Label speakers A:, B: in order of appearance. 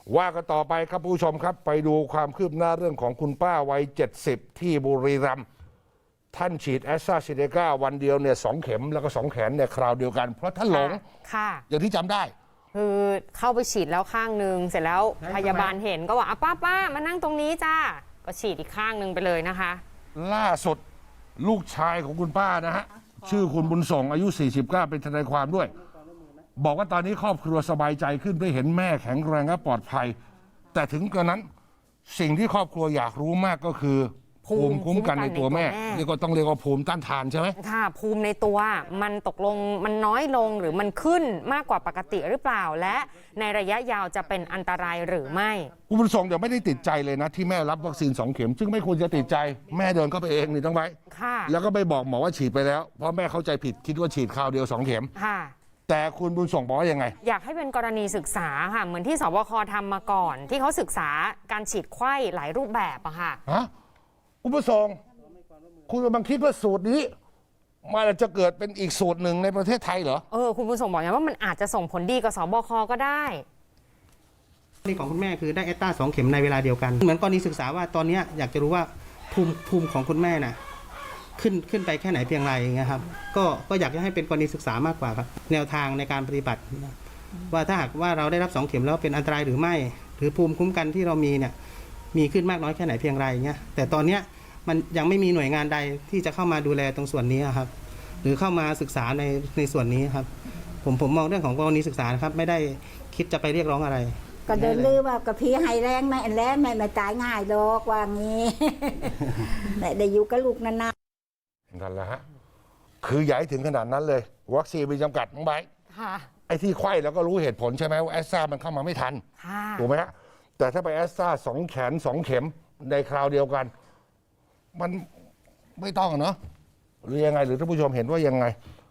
A: ว่ากันต่อไปครับผู้ชมครับไปดูความคืบหน้าเรื่องของคุณป้าวัย70ที่บุรีรัมย์ท่านฉีดแอสตราเซเนกาวันเดียวเนี่ย2 เข็มแล้วก็2 แขนเนี่ยคราวเดียวกันเพราะท่านหลง
B: ค่ะ
A: อย่างที่จำได้
B: คือเข้าไปฉีดแล้วข้างหนึ่งเสร็จแล้วพยาบาลเห็นก็บอกป้ามานั่งตรงนี้จ้าก็ฉีดอีกข้างหนึ่งไปเลยนะคะ
A: ล่าสุดลูกชายของคุณป้านะฮะชื่อคุณบุญส่งอายุ49เป็นทนายความด้วยบอกว่าตอนนี้ครอบครัวสบายใจขึ้นได้เห็นแม่แข็งแรงและปลอดภัยแต่ถึงกระนั้นสิ่งที่ครอบครัวอยากรู้มากก็คือภูมิคุ้มกันในตัวแม่นี่ก็ต้องเรียกว่าภูมิต้านทานใช่ไหม
B: ค่ะภูมิในตัวมันตกลงมันน้อยลงหรือมันขึ้นมากกว่าปกติหรือเปล่าและในระยะยาวจะเป็นอันตรายหรือไม่
A: คุณบุญส่งเดี๋ยวไม่ได้ติดใจเลยนะที่แม่รับวัคซีน2 เข็มซึ่งไม่ควรจะติดใจแม่เดินเข้าไปเองนี่ต้องไปแล้วก็ไปบอกหมอว่าฉีดไปแล้วเพราะแม่เข้าใจผิดคิดว่าฉีดคราวเดียว2 เข็ม
B: ค่ะ
A: แต่คุณบุญส่งบอกว่ายังไง
B: อยากให้เป็นกรณีศึกษาค่ะเหมือนที่สบคทำมาก่อนที่เขาศึกษาการฉีดไข้หลายรูปแบบอะค่ะ
A: คุณบุญส่งคุณกำลังคิดว่าสูตรนี้มันจะเกิดเป็นอีกสูตรหนึ่งในประเทศไทยเหรอ
B: คุณบุญส่งบอกอย่างว่ามันอาจจะส่งผลดีกับสบคก็ได้
C: นี่ของคุณแม่คือได้แอสตรา2 เข็มในเวลาเดียวกันเหมือนกรณีศึกษาว่าตอนนี้อยากจะรู้ว่าภูมิของคุณแม่น่ะขึ้นไปแค่ไหนเพียงไรอย่างเงี้ยครับก็อยากจะให้เป็นกรณีศึกษามากกว่าครับแนวทางในการปฏิบัติว่าถ้าหากว่าเราได้รับ2 เข็มแล้วเป็นอันตรายหรือไม่หรือภูมิคุ้มกันที่เรามีเนี่ยมีขึ้นมากน้อยแค่ไหนเพียงไรอย่างเงี้ยแต่ตอนเนี้ยมันยังไม่มีหน่วยงานใดที่จะเข้ามาดูแลตรงส่วนนี้ครับหรือเข้ามาศึกษาในส่วนนี้ครับผมมองเรื่องของกรณีศึกษานะครับไม่ได้คิดจะไปเรียกร้องอะไร
D: ก็เดินลือว่ากระพีให้แรงไม่ไม่ตายง่ายดอกว่างี้ ได้อยู่กับลูกนาน
A: ๆนั่นแหละฮะคือใหญ่ถึงขนาดนั้นเลยวัคซีนมีจำกัดน้องไบร์ทไอ้ที่ไข้แล้วก็รู้เหตุผลใช่ไหมว่าแอสตรามันเข้ามาไม่ทันถูกไหมฮะแต่ถ้าไปแอสตรา2 แขน 2 เข็มในคราวเดียวกันมันไม่ต้องเนาะหรือยังไงหรือท่านผู้ชมเห็นว่ายังไง